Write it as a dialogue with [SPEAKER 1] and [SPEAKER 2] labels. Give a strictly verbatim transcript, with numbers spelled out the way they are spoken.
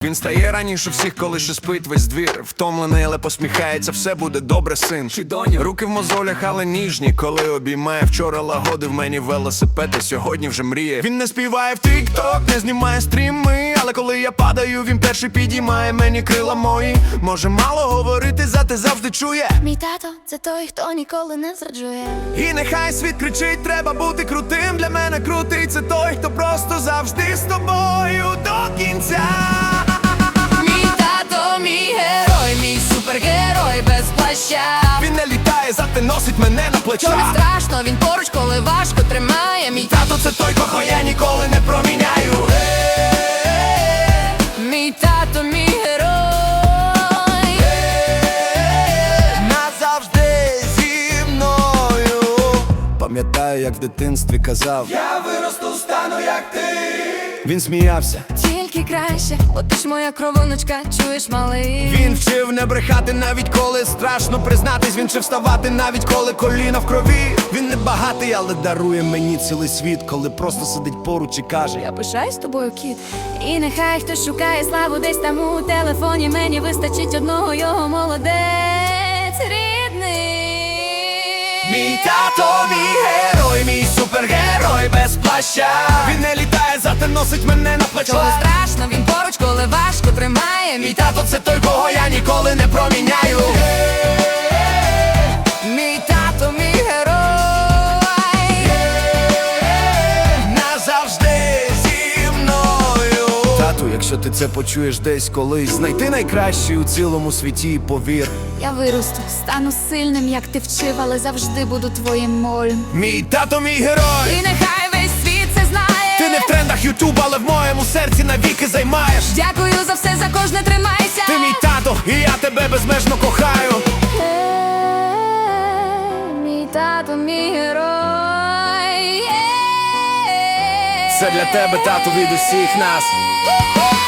[SPEAKER 1] Він стає раніше всіх, коли ще спить весь двір. Втомлений, але посміхається, все буде добре, син чи доню. Руки в мозолях, але ніжні, коли обіймає. Вчора лагодив мені велосипед, а сьогодні вже мріє. Він не співає в тік-ток, не знімає стріми, але коли я падаю, він перший підіймає мені крила мої. Може мало говорити, зате завжди чує.
[SPEAKER 2] Мій тато – це той, хто ніколи не зраджує.
[SPEAKER 1] І нехай світ кричить, треба бути крутим. Для мене крутий – це той, хто просто завжди з тобою до кінця.
[SPEAKER 2] Мій герой, мій супергерой без плаща.
[SPEAKER 1] Він не літає, зате носить мене на плечах.
[SPEAKER 2] Що не страшно, він поруч, коли важко тримає. Мій
[SPEAKER 1] Тато – це той, кого я ніколи не проміняю.
[SPEAKER 2] Мій тато, мій герой.
[SPEAKER 1] Назавжди зі мною. Пам'ятаю, як в дитинстві казав: я виросту, стану як ти. Він сміявся.
[SPEAKER 2] Тільки краще, бо ти ж моя кровоночка, чуєш, малий.
[SPEAKER 1] Він вчив не брехати, навіть коли страшно признатись. Він вчив вставати, навіть коли коліна в крові. Він не багатий, але дарує мені цілий світ, коли просто сидить поруч і каже:
[SPEAKER 2] Я пишаюсь тобою, кіт. І нехай хтось шукає славу десь там у телефоні. Мені вистачить одного його, молодець рідний.
[SPEAKER 1] Мій тато, мій герой, мій супергерой без плаща. Він не літає, зате носить мене на плечах.
[SPEAKER 2] Коли страшно, він поруч, коли важко тримає.
[SPEAKER 1] Мій тато – це той, кого я ніколи не проміняю.
[SPEAKER 2] Мій тато, мій герой.
[SPEAKER 1] Назавжди зі мною. Тату, якщо ти це почуєш десь колись, знайти найкращий у цілому світі і повір.
[SPEAKER 2] Я виросту, стану сильним, як ти вчив, але завжди буду твоїм молем.
[SPEAKER 1] Мій тато, мій герой.
[SPEAKER 2] І нехай весь світ це знає.
[SPEAKER 1] Ти не в трендах Ютуб, але в моєму серці навіки займаєш.
[SPEAKER 2] Дякую за все, за кожне тримайся.
[SPEAKER 1] Ти мій тато, і я тебе безмежно кохаю.
[SPEAKER 2] Е, Мій тато, мій герой. Е,
[SPEAKER 1] Це для тебе, тату, від усіх нас.